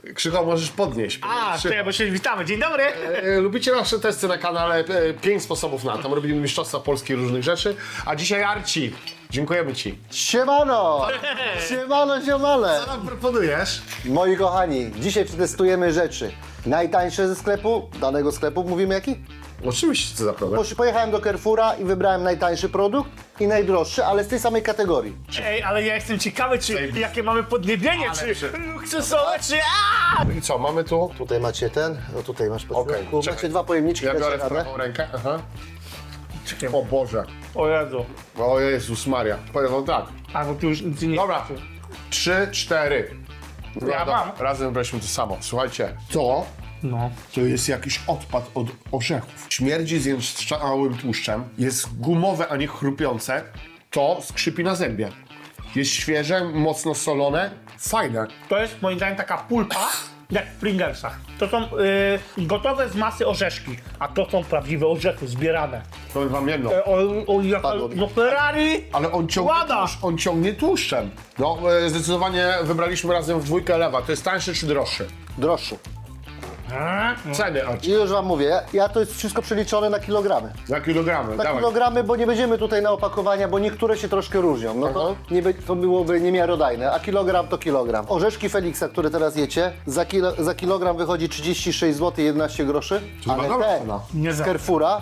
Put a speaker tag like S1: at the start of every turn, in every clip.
S1: Krzycho, możesz podnieść. Krzycho.
S2: Czekaj, bo się witamy. Dzień dobry.
S1: Lubicie nasze testy na kanale? 5 sposobów na. Tam robimy mistrzostwa polskie różnych rzeczy. A dzisiaj Arci. Dziękujemy ci.
S3: Siemano! Siemano, siemale!
S1: Co nam proponujesz?
S3: Moi kochani, dzisiaj przetestujemy rzeczy. Najtańsze ze sklepu, danego sklepu, mówimy jaki?
S1: Oczywiście, co za problem.
S3: Pojechałem do Carrefoura i wybrałem najtańszy produkt i najdroższy, ale z tej samej kategorii.
S2: Ej, ale ja jestem ciekawy, czy jakie mamy podniebienie, czy luksusowe, czy
S1: I co, mamy tu?
S3: Tutaj macie ten, no tutaj masz
S1: Okej,
S3: podśrodku.
S1: czekaj.
S3: Macie dwa pojemniczki,
S1: Ja
S3: dacie
S1: biorę w
S3: radę?
S1: prawą rękę. Aha.
S2: Czekaj.
S1: O Boże.
S2: O Jezu.
S1: O Jezus Maria. Powiem wam tak.
S2: A, bo tu już nic nie...
S1: Dobra. 3, 4.
S2: Ja mam.
S1: Razem weźmy to samo. Słuchajcie. To
S2: No.
S1: to jest jakiś odpad od orzechów. Śmierdzi zjeżdżałym tłuszczem. Jest gumowe, a nie chrupiące. To skrzypi na zębie. Jest świeże, mocno solone. Fajne.
S2: To jest moim zdaniem taka pulpa, jak w Pringlesach. To są gotowe z masy orzeszki, a to są prawdziwe orzechy, zbierane.
S1: Powiem wam jedno.
S3: Padło mi.
S2: No Ferrari!
S1: Ale
S2: Łada!
S1: on ciągnie tłuszczem. No, zdecydowanie wybraliśmy razem w dwójkę lewa. To jest tańszy czy droższy?
S3: Droższy.
S1: Ceny,
S3: I już wam mówię, ja to jest wszystko przeliczone na kilogramy.
S1: na kilogramy.
S3: Na
S1: Dawaj.
S3: kilogramy, bo nie będziemy tutaj na opakowania, bo niektóre się troszkę różnią. No to, to byłoby niemiarodajne, a kilogram to kilogram. Orzeszki Feliksa, które teraz jecie, za kilogram wychodzi 36 zł 11 groszy,
S1: To
S3: ale
S1: chyba dobra
S3: te
S1: cena.
S2: Nie
S3: z
S2: za-
S3: Carrefoura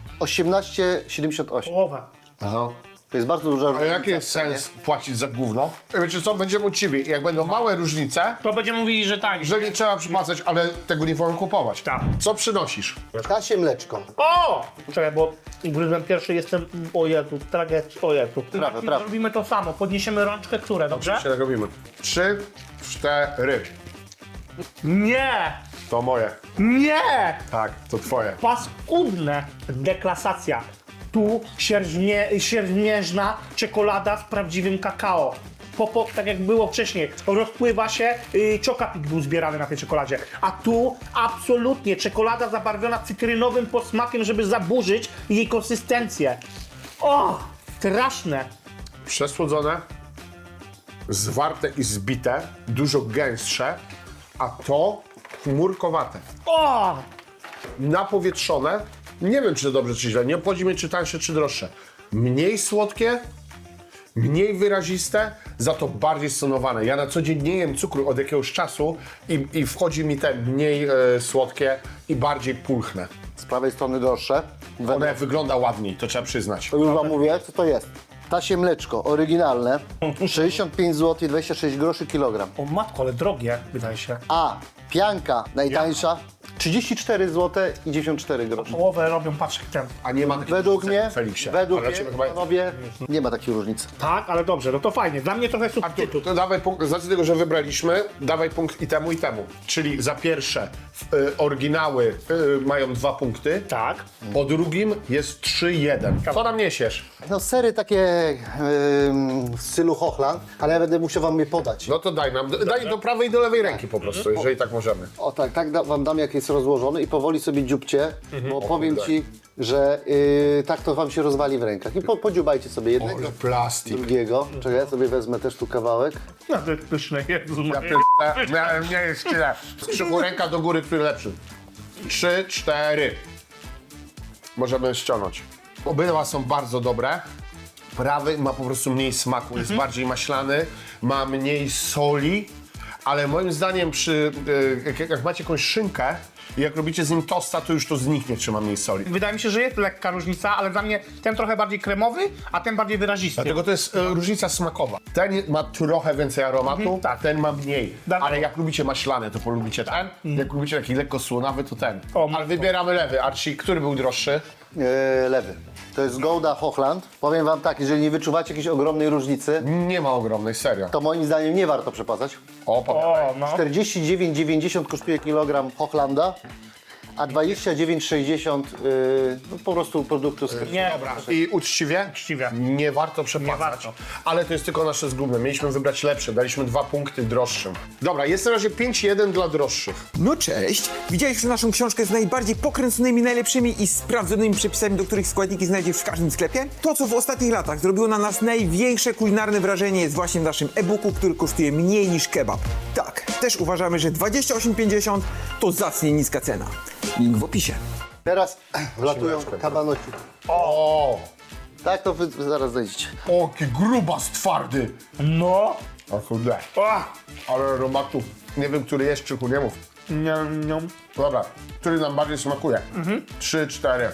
S3: 18,78.
S2: Połowę.
S3: Aha. To jest bardzo duża
S1: A
S3: różnica.
S1: jaki jest sens płacić za gówno? Wiecie co, będziemy uczciwi. Jak będą małe różnice,
S2: To będziemy mówili, że tak.
S1: że nie trzeba przypłacać, ale tego nie wolno kupować.
S2: Tak.
S1: Co przynosisz?
S3: Kasie mleczko.
S2: O! Czekaj, bo gryzłem pierwszy, jestem... O Jezu, tragedia, o Jezu.
S3: Prawe, prawe.
S2: Robimy to samo, podniesiemy rączkę, które, dobrze?
S1: Się tak robimy. 3, 4.
S2: Nie!
S1: To moje.
S2: Nie!
S1: Tak, to twoje.
S2: Paskudne deklasacja. Tu siermiężna czekolada z prawdziwym kakao. Tak jak było wcześniej, rozpływa się, czokapik był zbierany na tej czekoladzie. A tu absolutnie czekolada zabarwiona cytrynowym posmakiem, żeby zaburzyć jej konsystencję. O! Straszne.
S1: Przesłodzone, zwarte i zbite, dużo gęstsze, a to chmurkowate.
S2: O!
S1: Napowietrzone, nie wiem czy to dobrze czy źle, nie obchodzi mnie czy tańsze czy droższe. Mniej słodkie, mniej wyraziste, za to bardziej stonowane. Ja na co dzień nie jem cukru od jakiegoś czasu i wchodzi mi te mniej słodkie i bardziej pulchne.
S3: Z prawej strony droższe.
S1: One wygląda ładniej, to trzeba przyznać.
S3: To już wam mówię, co to jest. Tasie mleczko, oryginalne, 65 zł 26 groszy kilogram.
S2: O matko, ale drogie, wydaje się.
S3: A pianka najtańsza, 34 zł i 94 groszy.
S2: Połowę robią, patrz jak ten.
S1: A nie ma takiej
S3: Według
S1: różnicy
S3: mnie,
S1: w Feliksie.
S3: według
S1: Ale
S3: mnie,
S1: ciebie chyba jest.
S3: panowie, nie ma takiej różnicy.
S2: Tak, ale dobrze, no to fajnie. Dla mnie trochę
S1: Artur,
S2: substytut.
S1: to dawaj punkt, z racji tego, że wybraliśmy, dawaj punkt i temu, i temu. Czyli za pierwsze oryginały mają 2 punkty,
S2: Tak.
S1: po drugim jest 3-1. Co nam niesiesz?
S3: No sery takie w stylu Hochland, ale ja będę musiał wam je podać.
S1: No to daj nam, daj do prawej i do lewej ręki po prostu, jeżeli tak możemy.
S3: O tak, wam dam jak jest rozłożony i powoli sobie dziubcie, bo powiem
S1: kurde.
S3: ci, że tak to wam się rozwali w rękach. I podziubajcie sobie jednego,
S1: Ale plastik.
S3: drugiego. Czekaj, ja sobie wezmę też tu kawałek.
S2: No to jest pyszne, Jezu
S1: Ja
S2: Maria.
S1: pierdolę, miałem nie jest tyle. Krzyku ręka do góry, który lepszy. 3, 4. Możemy ściągnąć. Obydwa są bardzo dobre. Prawy ma po prostu mniej smaku, jest bardziej maślany, ma mniej soli, ale moim zdaniem jak macie jakąś szynkę i jak robicie z nim tosta, to już to zniknie, czy ma mniej soli.
S2: Wydaje mi się, że jest lekka różnica, ale dla mnie ten trochę bardziej kremowy, a ten bardziej wyrazisty.
S1: Dlatego to jest różnica smakowa. Ten ma trochę więcej aromatu,
S2: tak.
S1: ten ma mniej.
S2: Dawaj.
S1: Ale jak lubicie maślane, to polubicie ten. Jak lubicie taki lekko słonawy, to ten.
S2: O,
S1: Ale wybieramy lewy. Archie, który był droższy?
S3: Lewy. To jest Gouda Hochland. Powiem wam tak, jeżeli nie wyczuwacie jakiejś ogromnej różnicy,
S1: Nie ma ogromnej, serio.
S3: to moim zdaniem nie warto przepłacać.
S1: O, powiadaj.
S2: O, no.
S3: 49,90 kosztuje kilogram Hochlanda, a 29,60 no po prostu produktu z
S2: Nie,
S1: Dobra, i uczciwie?
S2: Uczciwie.
S1: Nie warto przepłacać.
S2: Nie warto.
S1: Ale to jest tylko nasze zgubne. Mieliśmy wybrać lepsze. Daliśmy 2 punkty droższym. Dobra, jest na razie 5-1 dla droższych.
S4: No cześć! Widziałeś już naszą książkę z najbardziej pokręconymi, najlepszymi i sprawdzonymi przepisami, do których składniki znajdziesz w każdym sklepie? To, co w ostatnich latach zrobiło na nas największe kulinarne wrażenie, jest właśnie w naszym e-booku, który kosztuje mniej niż kebab. Tak, też uważamy, że 28,50 to zacnie niska cena. Link w opisie.
S3: Teraz wlatują kabanoci.
S1: O,
S3: Tak, to wy zaraz znajdziecie.
S1: jaki grubas twardy.
S2: No.
S1: O kurde,
S2: Ach.
S1: ale aromatów. Nie wiem, który jest, Krzychu, nie mów.
S2: Nie.
S1: Dobra, który nam bardziej smakuje? 3, 4.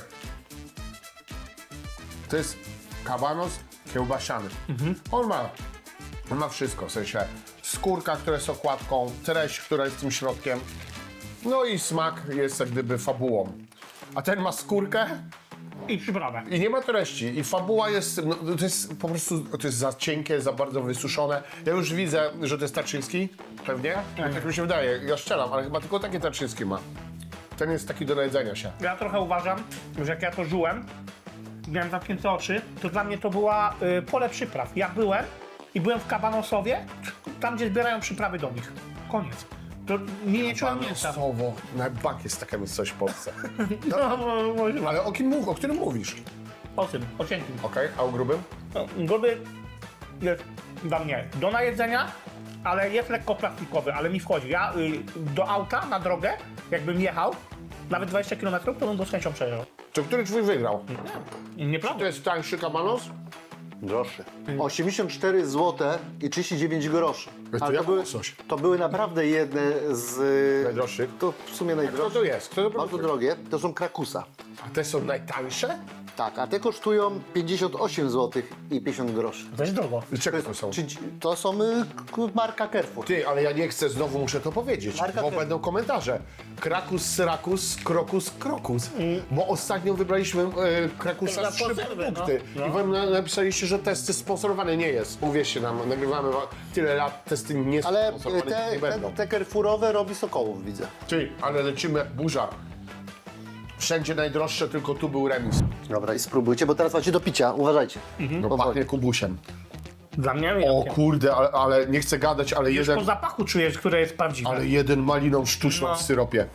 S1: To jest kabanos kiełbasiany. On ma wszystko, w sensie skórka, która jest okładką, treść, która jest tym środkiem, no i smak jest jak gdyby fabułą. A ten ma skórkę
S2: I przyprawę.
S1: i nie ma treści. I fabuła jest, no, to jest po prostu, to jest za cienkie, za bardzo wysuszone. Ja już widzę, że to jest Tarczyński, pewnie. Tak mi się wydaje, ja strzelam, ale chyba tylko taki Tarczyński ma. Ten jest taki do najedzenia się.
S2: Ja trochę uważam, że jak ja to żyłem, miałem zamknięte oczy, to dla mnie to była pole przypraw. Ja byłem w Kabanosowie, tam gdzie zbierają przyprawy do nich. Koniec. To nie czułem mięsa.
S1: Słowo, na bank jest taka coś w Polsce.
S2: No, może.
S1: Ale o którym mówisz?
S2: O tym, o cienkim.
S1: Okej, a o grubym?
S2: No, gruby jest dla mnie do najedzenia, ale jest lekko plastikowy, ale mi wchodzi. Ja do auta, na drogę, jakbym jechał, nawet 20 km, to bym go z chęcią przejeżdżał.
S1: To który twój wygrał?
S2: Nieprawda.
S1: To jest tańszy kabanos?
S3: Droższy. 84 zł i 39 groszy.
S1: To ja mam coś.
S3: to były naprawdę jedne z...
S1: Najdroższych?
S3: To w sumie
S1: Kto
S3: najdroższe.
S1: to jest? Kto to
S3: Bardzo
S1: produkuje?
S3: drogie. To są krakusa.
S1: A te są najtańsze?
S3: Tak, a te kosztują 58 zł i 50 groszy.
S2: To jest drogo.
S1: Czego to są?
S3: To są marka Carrefour.
S1: Ty, ale ja nie chcę, znowu muszę to powiedzieć,
S3: Marka
S1: bo
S3: Krem.
S1: będą komentarze. Krakus, Syrakus, Krokus, Krokus. Bo ostatnio wybraliśmy Krakusa
S2: Na
S1: z 3
S2: konserwę,
S1: produkty.
S2: no.
S1: I wam napisaliście, że testy sponsorowane nie jest. Uwierzcie nam, nagrywamy tyle lat, testy nie
S3: Ale
S1: sponsorowane nie będą.
S3: te Carrefourowe robi Sokołów, widzę.
S1: Ty, ale lecimy jak burza. Wszędzie najdroższe, tylko tu był remis.
S3: Dobra, i spróbujcie, bo teraz macie do picia. Uważajcie.
S1: No pachnie kubusiem.
S2: Dla mnie
S1: O
S2: jakie?
S1: kurde, ale nie chcę gadać, ale
S2: Już
S1: jeden...
S2: po zapachu czujesz, które jest prawdziwe.
S1: Ale jeden maliną sztuczną
S2: No.
S1: w syropie.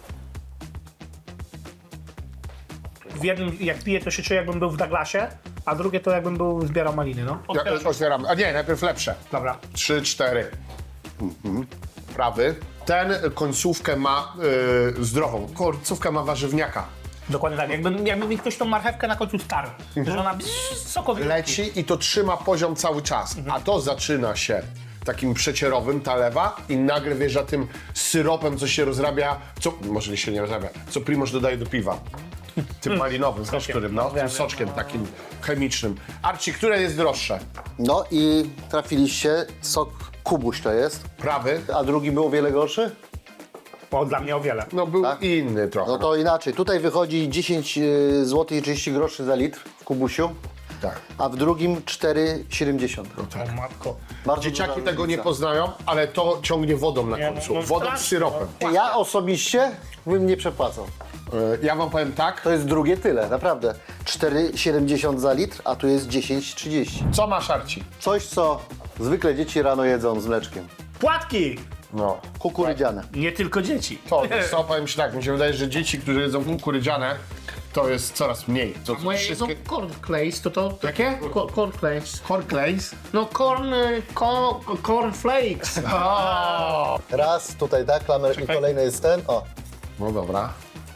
S2: W jednym, jak piję, to się czuję, jakbym był w Douglasie, a drugie to jakbym zbierał maliny, no.
S1: Ja,
S2: Otwieram.
S1: otwieram. A nie, najpierw lepsze.
S2: Dobra.
S1: 3, 4. Prawy. Ten końcówkę ma zdrową. Końcówkę ma warzywniaka.
S2: Dokładnie tak. Jakby mi ktoś tą marchewkę na końcu starł, że ona sokowi
S1: Leci i to trzyma poziom cały czas. A to zaczyna się takim przecierowym, ta lewa, i nagle wjeżdża tym syropem, co się rozrabia, co może się nie rozrabia, co Primoż dodaje do piwa. Tym malinowym, wiesz, którym, no, tym soczkiem takim chemicznym. Arci, które jest droższe?
S3: No i trafiliście, sok Kubuś to jest.
S1: Prawy?
S3: A drugi był o wiele gorszy?
S2: O, dla mnie o wiele.
S1: No był inny trochę.
S3: No to inaczej. Tutaj wychodzi 10 zł i 30 groszy za litr w Kubusiu,
S1: Tak.
S3: a w drugim 4,70.
S2: O matko.
S3: Bardzo
S1: Dzieciaki
S3: duża
S1: tego nie
S3: różnica.
S1: poznają, ale to ciągnie wodą na
S2: Nie,
S1: końcu.
S2: no,
S1: Wodą z
S2: strasznie,
S1: syropem.
S3: Ja osobiście bym nie przepłacał.
S1: Ja wam powiem tak.
S3: To jest drugie tyle, naprawdę. 4,70 za litr, a tu jest 10,30.
S1: Co masz, Arci?
S3: Coś, co zwykle dzieci rano jedzą z mleczkiem.
S2: Płatki!
S1: No.
S3: Kukurydziane.
S2: Nie tylko dzieci.
S1: To, co powiem ci tak, mi się wydaje, że dzieci, którzy jedzą kukurydziane, to jest coraz mniej. To
S2: Moje jedzą cornflakes, to...
S1: Jakie?
S2: Cornflakes.
S1: Cornflakes?
S2: No cornflakes.
S3: Raz, tutaj tak, klamer i kolejny jest ten. O,
S1: No dobra.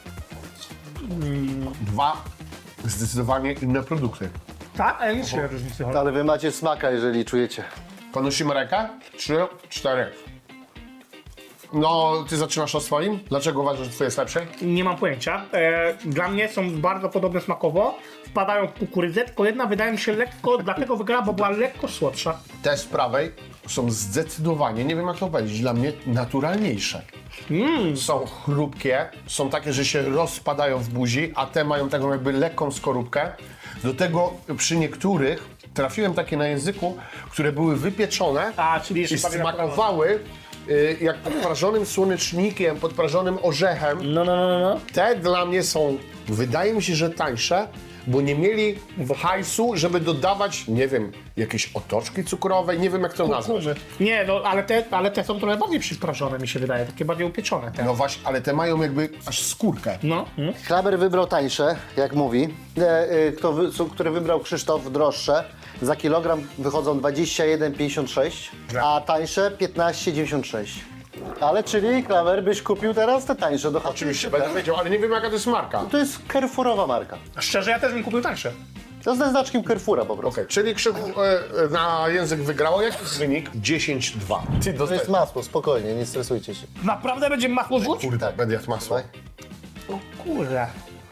S1: Dwa zdecydowanie inne produkty.
S2: Tak? A ja nie czuję różnicy.
S3: ale wy macie smaka, jeżeli czujecie.
S1: Ponosimy rękę? 3, 4. No, ty zaczynasz od swoim? Dlaczego uważasz, że twoje jest lepsze?
S2: Nie mam pojęcia. Dla mnie są bardzo podobne smakowo. Wpadają w kukurydzę, tylko jedna wydaje mi się lekko, dlatego wygrała, bo była lekko słodsza.
S1: Te z prawej są zdecydowanie, nie wiem jak to powiedzieć, dla mnie naturalniejsze. Są chrupkie, są takie, że się rozpadają w buzi, a te mają taką jakby lekką skorupkę. Do tego przy niektórych trafiłem takie na języku, które były wypieczone
S2: A, czyli jeszcze
S1: i
S2: bardziej
S1: smakowały jak podprażonym słonecznikiem, podprażonym orzechem.
S2: No.
S1: Te dla mnie są, wydaje mi się, że tańsze, bo nie mieli hajsu, żeby dodawać, nie wiem, jakieś otoczki cukrowe, nie wiem jak to nazwać.
S2: Nie, no ale te są trochę bardziej przyprażone, mi się wydaje, takie bardziej upieczone. Te.
S1: No właśnie, ale te mają jakby aż skórkę.
S2: No.
S3: Klamer wybrał tańsze, jak mówi. Które wybrał Krzysztof, droższe. Za kilogram wychodzą 21,56, a tańsze 15,96. Ale czyli, Klamer, byś kupił teraz te tańsze do chaty?
S1: Oczywiście, będę wiedział, ale nie wiem jaka to jest marka.
S3: To jest Carrefourowa marka.
S2: Szczerze, ja też bym kupił tańsze.
S3: To jest ze znaczkiem Carrefoura po prostu.
S1: Okej, czyli Krzyku na język wygrało. Jaki jest wynik? 10-2. Ty
S3: To jest
S1: dostajesz.
S3: masło, spokojnie, nie stresujcie się.
S2: Naprawdę będzie masło rzuć?
S1: Kurde, będę jadł masło.
S2: O kurde.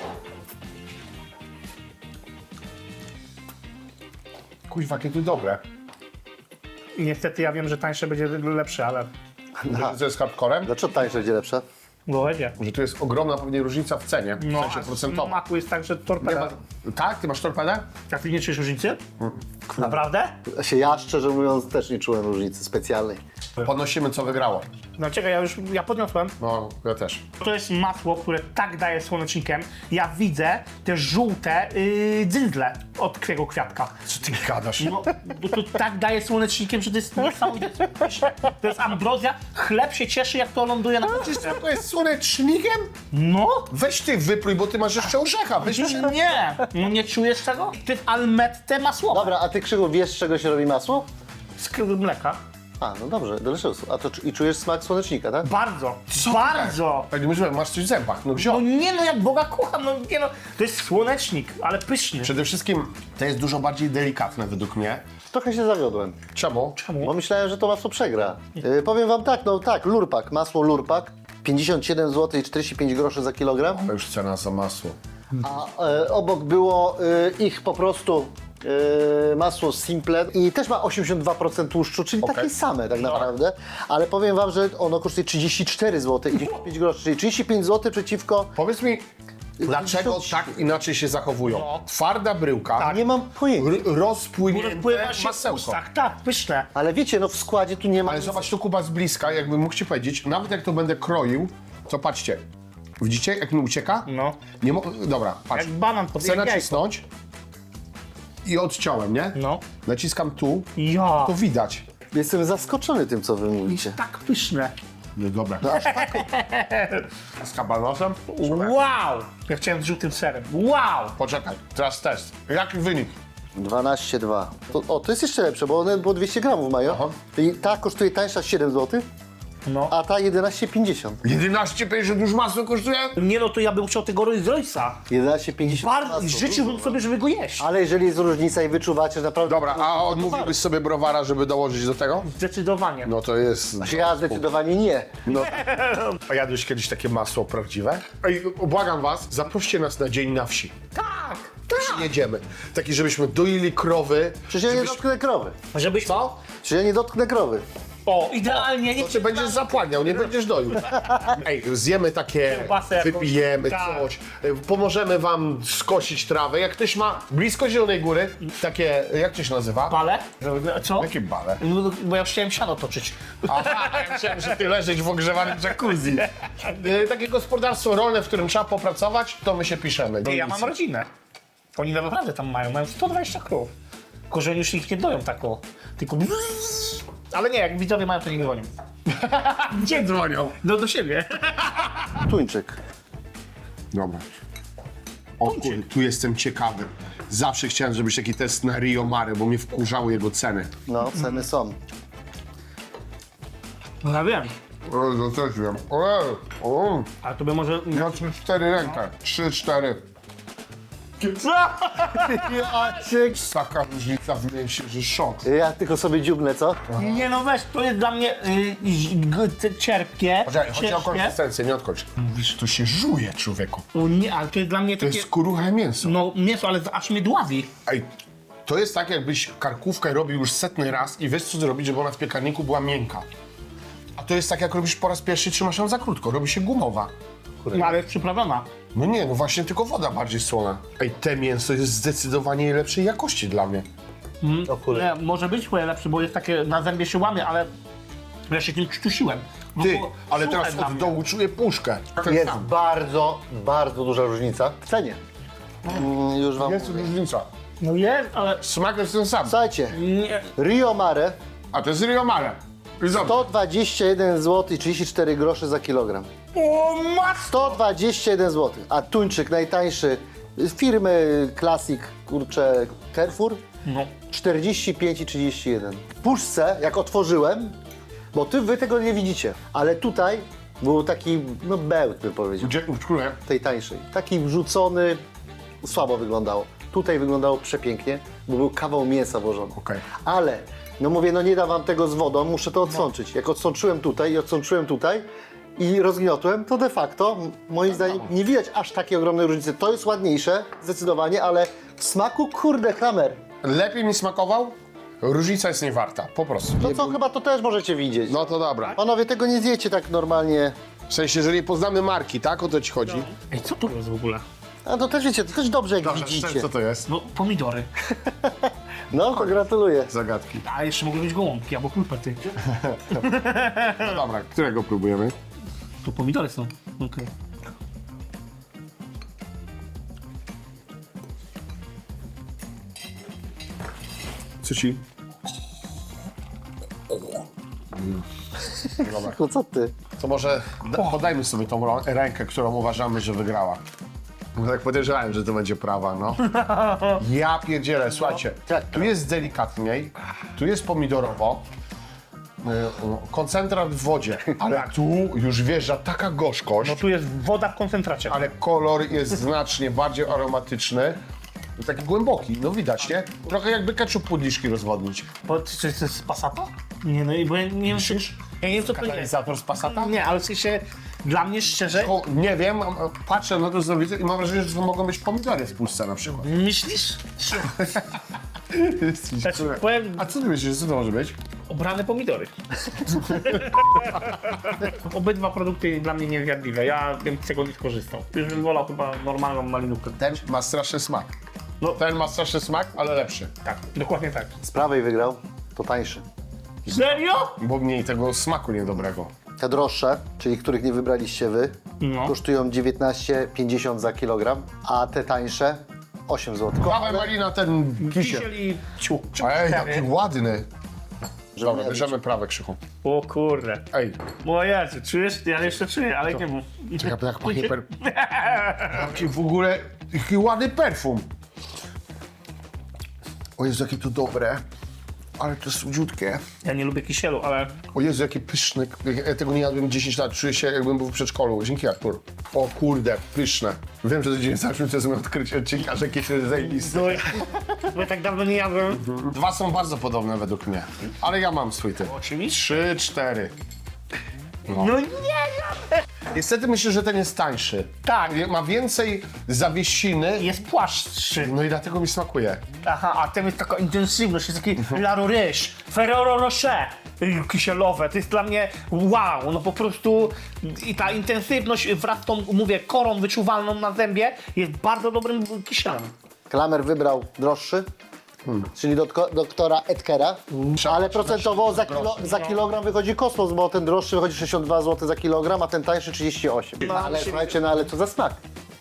S1: Kuźwa, jakie to dobre.
S2: Niestety ja wiem, że tańsze będzie lepsze, ale...
S1: Że to jest hardcorem?
S3: Dlaczego tańsze będzie lepsze?
S2: Bo będzie.
S1: Że tu jest ogromna pewnie różnica w cenie, w sensie
S2: a
S1: procentowym.
S2: smaku jest tak, że
S1: Nie
S2: torpeda.
S1: ma... Tak? Ty masz torpedę?
S2: A ty nie czujesz różnicy? Naprawdę?
S3: Ja szczerze mówiąc też nie czułem różnicy specjalnej.
S1: Podnosimy, co wygrało.
S2: No czekaj, ja podniosłem.
S1: No, ja też.
S2: To jest masło, które tak daje słonecznikiem. Ja widzę te żółte dzyndzle od twojego kwiatka.
S1: Co ty gadasz?
S2: No, bo to tak daje słonecznikiem, że to jest niesamowite. To jest ambrozja. Chleb się cieszy, jak to ląduje na patyce.
S1: To jest słonecznikiem?
S2: No?
S1: Weź ty wypluj, bo ty masz jeszcze orzecha. Weź
S2: Nie! No nie czujesz tego? To jest almette masło.
S3: Dobra, a ty, Krzyku, wiesz, z czego się robi masło?
S2: Z mleka.
S3: A, no dobrze, delicious. A to i czujesz smak słonecznika, tak?
S2: Bardzo. Bardzo.
S1: Tak, myślę, masz coś w zębach. No
S2: No
S1: wziął.
S2: nie no, jak Boga kocham, no nie no. To jest słonecznik, ale pyszny.
S1: Przede wszystkim to jest dużo bardziej delikatne według mnie.
S3: Trochę się zawiodłem,
S1: Czemu?
S3: bo myślałem, że to masło przegra. Powiem wam tak, no tak, lurpak, masło lurpak, 57 zł i 45 groszy za kilogram,
S1: To już cena za masło.
S3: a obok było ich po prostu masło Simple i też ma 82% tłuszczu, czyli
S1: Okej.
S3: takie same tak naprawdę, ale powiem wam, że ono kosztuje 34 zł i 95 groszy, czyli 35 zł przeciwko...
S1: Powiedz mi, dlaczego tak inaczej się zachowują? Twarda bryłka,
S3: Nie mam pojęcia.
S1: rozpłynięte
S2: Rozpływa się w
S1: masełko.
S2: ustach, tak, pyszne.
S3: Ale wiecie, no w składzie tu nie ma...
S1: Ale zobacz to Kuba z bliska, jakbym mógł ci powiedzieć, nawet jak to będę kroił, to patrzcie, widzicie jak mi ucieka?
S2: No.
S1: Nie dobra, patrz.
S2: Jak banan pod
S1: Chcę
S2: jak jajko.
S1: nacisnąć i odciąłem, nie?
S2: No.
S1: Naciskam tu,
S2: Ja.
S1: to widać.
S3: Jestem zaskoczony tym, co wy mówicie.
S2: Tak pyszne.
S1: No dobra. Z kabanosem?
S2: Wow! Ja chciałem z żółtym serem. Wow!
S1: Poczekaj, teraz test. Jaki wynik?
S3: 12,2. To jest jeszcze lepsze, bo one po 200 gramów mają.
S1: Aha.
S3: I ta kosztuje tańsza 7 zł,
S2: No.
S3: a ta 11,50.
S1: 11,50 już masło kosztuje?
S2: Nie no, to ja bym chciał tego Rolls Royce'a.
S3: 11,50.
S2: Bardzo
S3: masło.
S2: życzyłbym sobie, żeby go jeść.
S3: Ale jeżeli jest różnica i wyczuwacie, że naprawdę...
S1: Dobra, a odmówiłbyś sobie browara, żeby dołożyć do tego?
S2: Zdecydowanie.
S1: No to jest...
S3: Ja zdecydowanie nie.
S1: No. A jadłeś kiedyś takie masło prawdziwe? Ej, błagam was, zaproście nas na dzień na wsi.
S2: Tak!
S1: Jedziemy. Taki, żebyśmy doili krowy.
S3: Przecież ja nie dotknę krowy.
S2: Żebyś... Co?
S3: Przecież ja nie dotknę krowy.
S2: O, idealnie. Nie
S1: To ty będziesz zapłaniał, nie będziesz doił. Ej, zjemy takie,
S2: Kiełbasę jakąś.
S1: wypijemy
S2: Tak.
S1: coś, pomożemy wam skosić trawę. Jak ktoś ma blisko Zielonej Góry, takie, jak to się nazywa?
S2: Bale? Co?
S1: Jakie bale?
S2: No, bo ja już chciałem siano toczyć.
S1: Aha, ja myślałem, że ty leżysz w ogrzewanym jacuzzi. Takie gospodarstwo rolne, w którym trzeba popracować, to my się piszemy.
S2: Ja mam rodzinę. Oni naprawdę tam mają 120 krów. Tylko, że oni już ich nie doją tak o. Tylko... Ale nie, jak widzowie mają, to nie dzwonią.
S1: Gdzie dzwonią?
S2: No do siebie.
S3: Tuńczyk.
S1: Dobra. O kurde, tu jestem ciekawy. Zawsze chciałem zrobić taki test na Rio Mare, bo mnie wkurzały jego ceny.
S3: No, ceny są.
S2: No ja wiem.
S1: O, to też wiem. O,
S2: Ale to by może...
S1: ja 4 rękę. 3-4. Taka różnica w mięsie, że szok.
S3: Ja tylko sobie dziubnę, co?
S2: Nie no weź, to jest dla mnie cierpkie.
S1: Poczekaj, chodzi o
S2: ciężkie.
S1: konsystencję, nie odkończ. Mówisz, to się żuje, człowieku.
S2: O nie, ale to jest dla mnie
S1: To
S2: takie...
S1: jest kuruche mięso.
S2: No mięso, ale aż mnie dławi.
S1: Ej, to jest tak, jakbyś karkówkę robił już 100 raz i wiesz, co zrobić, żeby ona w piekarniku była miękka. A to jest tak, jak robisz po raz pierwszy, trzymasz ją za krótko, robi się gumowa.
S2: No ale jest przyprawiona.
S1: No nie, no właśnie tylko woda bardziej słona. Ej, te mięso jest zdecydowanie lepszej jakości dla mnie.
S3: O kurde.
S2: Nie, może być twoje lepsze, bo jest takie, na zębie się łamie, ale ja się tym krztusiłem. No
S1: Ty,
S2: bo
S1: ale
S2: suche
S1: teraz
S2: dla
S1: od
S2: mnie.
S1: dołu czuję puszkę. Ten
S3: Jest
S1: sam.
S3: bardzo, bardzo duża różnica w cenie. Już wam
S1: Jest
S3: mówię.
S1: różnica.
S2: No jest, ale
S1: Smak jest ten sam.
S3: Słuchajcie,
S2: nie.
S3: Rio Mare
S1: A to jest Rio Mare. I zobacz.
S3: 121 zł i 34 grosze za kilogram.
S2: O matko!
S3: 121 zł, a tuńczyk najtańszy z firmy Classic, kurczę, Carrefour,
S2: No.
S3: 45 i 31. W puszce, jak otworzyłem, Bo wy tego nie widzicie, ale tutaj był taki, no bełt bym powiedział,
S1: Gdzie, w której?
S3: tej tańszej. Taki wrzucony, słabo wyglądało. Tutaj wyglądało przepięknie, bo był kawał mięsa włożony.
S1: Okej.
S3: Ale, no mówię, no nie dam wam tego z wodą, muszę to odsączyć. Jak odsączyłem tutaj i odsączyłem tutaj i rozgniotłem, to de facto, moim zdaniem, nie widać aż takiej ogromnej różnicy. To jest ładniejsze, zdecydowanie, ale w smaku, kurde, Kramer.
S1: Lepiej mi smakował? Różnica jest niewarta, po prostu.
S3: No co, chyba to też możecie widzieć.
S1: No to dobra.
S3: Panowie, tego nie zjecie tak normalnie.
S1: W sensie, jeżeli poznamy marki, tak? O to ci chodzi?
S2: Ej, co to jest w ogóle?
S3: A to też wiecie, to też dobrze jak widzicie.
S1: Co to jest?
S2: No, pomidory.
S3: No, to gratuluję.
S1: Zagadki.
S2: A jeszcze mogły być gołąbki albo kulpety.
S1: No dobra, którego próbujemy?
S2: To pomidory są. Okej.
S1: Co ci? Dobra.
S3: No co ty?
S1: To może podajmy sobie tą rękę, którą uważamy, że wygrała. Bo tak podejrzewałem, że to będzie prawa, no. Ja pierdzielę, słuchajcie,
S3: Tak.
S1: tu jest delikatniej, tu jest pomidorowo, koncentrat w wodzie, ale tu już wjeżdża taka gorzkość,
S2: No tu jest woda w koncentracie.
S1: ale kolor jest znacznie bardziej aromatyczny. Taki głęboki, no widać, nie? Trochę jakby ketchup pudliszki rozwodnić.
S2: Czy to jest Passata? Nie, no i bo ja nie wiem, ja nie wiem co to jest.
S1: Katalizator z Passata?
S2: Nie, ale w sensie, dla mnie szczerze,
S1: O, nie wiem, patrzę na to, co widzę i mam wrażenie, że to mogą być pomidory w puszce na przykład.
S2: myślisz? Powiem,
S1: A co ty myślisz, co to może być?
S2: obrane pomidory. Obydwa produkty dla mnie niezjadliwe, ja bym z tego nie skorzystał. Już bym wolał chyba normalną malinówkę.
S1: Ten ma straszny smak.
S2: No.
S1: Ten ma straszny smak, ale lepszy.
S2: Tak, dokładnie tak.
S3: Z prawej wygrał, to tańszy.
S2: Serio?
S1: Bo mniej tego smaku niedobrego.
S3: Te droższe, czyli których nie wybraliście wy,
S2: No.
S3: kosztują 19,50 za kilogram, a te tańsze 8 zł.
S1: Dawaj Malina ten kisiel.
S2: Kisiel i ciu.
S1: Ej, jaki ładny. Dobra, bierzemy prawe, Krzychu.
S2: O kurde.
S1: Ej,
S2: O Jezu, czujesz? Ja jeszcze czuję, ale nie mów.
S1: jak pachnie Jaki w ogóle, jaki ładny perfum. O Jezu, jakie to dobre. Ale to słodziutkie.
S2: Ja nie lubię kisielu, ale
S1: O Jezu, jaki pyszny. Ja tego nie jadłem 10 lat. Czuję się, jakbym był w przedszkolu. Dzięki, Artur. O kurde, pyszne. Wiem, że to 98 to jest moje odkrycie odcinka, że kisiel jest zajebisty.
S2: bo ja tak dawno nie jadłem.
S1: Dwa są bardzo podobne według mnie. Ale ja mam swój typ.
S2: Oczywiście.
S1: 3, 4.
S2: No nie,
S1: Niestety myślę, że ten jest tańszy.
S2: Tak.
S1: Ma więcej zawiesiny.
S2: jest płaszczszy.
S1: No i dlatego mi smakuje.
S2: Aha, a ten jest taka intensywność, jest taki La Roche, Ferrero Rocher kisielowe. To jest dla mnie wow, no po prostu i ta intensywność wraz z tą, mówię, korą wyczuwalną na zębie jest bardzo dobrym kisielem.
S3: Klamer wybrał droższy, czyli doktora Edkera, ale procentowo za kilogram wychodzi kosmos, bo ten droższy wychodzi 62 zł za kilogram, a ten tańszy 38.
S2: No,
S3: Ale słuchajcie, no ale co za smak?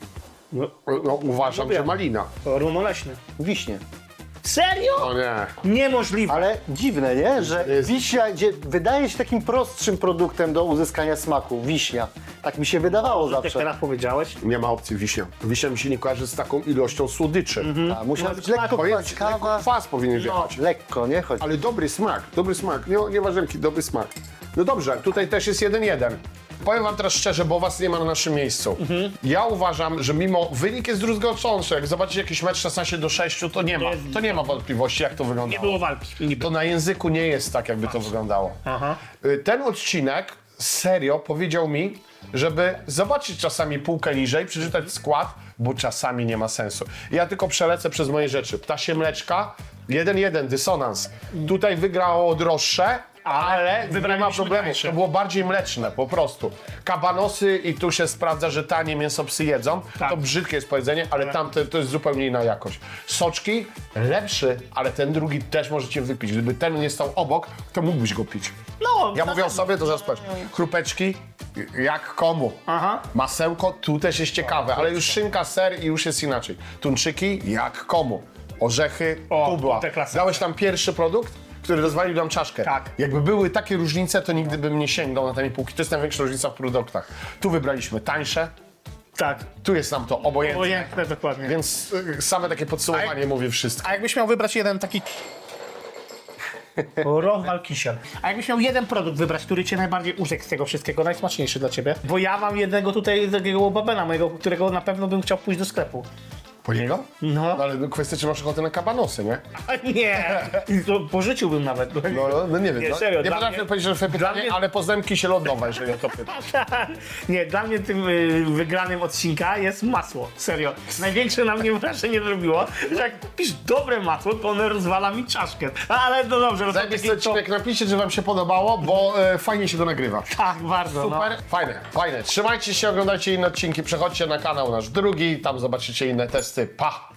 S1: No, uważam, że malina.
S2: Runoleśny.
S3: Wiśnie.
S2: Serio?
S1: O nie.
S2: Niemożliwe.
S3: Ale dziwne, nie? Że wiśnia, gdzie wydaje się takim prostszym produktem do uzyskania smaku, wiśnia. Tak mi się wydawało
S2: Jak
S3: zawsze.
S2: teraz powiedziałeś?
S1: Nie ma opcji wiśnia. Wiśnia mi się nie kojarzy z taką ilością słodyczy.
S3: A, musiała być lekko
S1: To jest, lekko
S3: kwaskawa.
S1: kwas powinien wjechać.
S3: Lekko, nie? Chodź.
S1: Ale dobry smak. Nie ważemki, dobry smak. No dobrze, tutaj też jest 1-1. Powiem wam teraz szczerze, bo was nie ma na naszym miejscu. Ja uważam, że mimo wynik jest druzgocący, jak zobaczycie jakiś mecz 16-6, to nie ma wątpliwości, jak to
S2: Nie
S1: wyglądało.
S2: było walki. Nie było.
S1: To na języku nie jest tak, jakby to wyglądało.
S2: Aha.
S1: Ten odcinek serio powiedział mi, żeby zobaczyć czasami półkę niżej, przeczytać skład, bo czasami nie ma sensu. Ja tylko przelecę przez moje rzeczy. Ptasie mleczka, 1-1, dysonans. Tutaj wygrało droższe, ale nie ma
S2: wybraliśmy
S1: problemu.
S2: tańsze.
S1: To było bardziej mleczne, po prostu. Kabanosy i tu się sprawdza, że tanie mięso psy jedzą.
S2: Tak.
S1: To brzydkie jest powiedzenie, ale tamte to jest zupełnie inna jakość. Soczki, lepszy, ale ten drugi też możecie wypić. Gdyby ten nie stał obok, to mógłbyś go pić.
S2: No,
S1: Ja mówię o sobie, to zaraz patrz. Chrupeczki, jak komu.
S2: Aha.
S1: Masełko, tu też jest ciekawe, ale już szynka, ser i już jest inaczej. Tuńczyki, jak komu. Orzechy,
S2: O,
S1: pudła.
S2: te klasyki.
S1: Dałeś tam pierwszy produkt, który rozwalił nam czaszkę.
S2: Tak.
S1: Jakby były takie różnice, to nigdy bym nie sięgnął na tej półki. To jest największa różnica w produktach. Tu wybraliśmy tańsze,
S2: tak.
S1: tu jest nam to obojętne.
S2: Obojętne, dokładnie.
S1: Więc same takie podsumowanie mówi wszystko.
S2: A jakbyś miał wybrać jeden taki Rozwal kisiel. A jakbyś miał jeden produkt wybrać, który cię najbardziej urzekł z tego wszystkiego, najsmaczniejszy dla ciebie? Bo ja mam jednego tutaj, takiego babena mojego, którego na pewno bym chciał pójść do sklepu.
S1: Po niego?
S2: No.
S1: No ale kwestia, czy masz ochotę na kabanosy, nie?
S2: A nie! I to pożyczyłbym nawet.
S1: No nie wiem.
S2: Nie,
S1: no.
S2: serio,
S1: Nie
S2: dla
S1: potrafię
S2: mnie-
S1: odpowiedzieć na twoje
S2: dla
S1: pytanie,
S2: mnie-
S1: ale poznałem kisielodowa, jeżeli o to pytasz.
S2: Nie, dla mnie tym wygranym odcinka jest masło. Serio. Największe na mnie wrażenie zrobiło, że jak kupisz dobre masło, to one rozwala mi czaszkę. Ale no dobrze, no to
S1: Zajmijcie
S2: takie to...
S1: odcinek, napiszcie, że wam się podobało, bo fajnie się to nagrywa.
S2: Tak, bardzo, no.
S1: Super, fajne. Trzymajcie się, oglądajcie inne odcinki, przechodźcie na kanał nasz drugi, tam zobaczycie inne testy. Pa!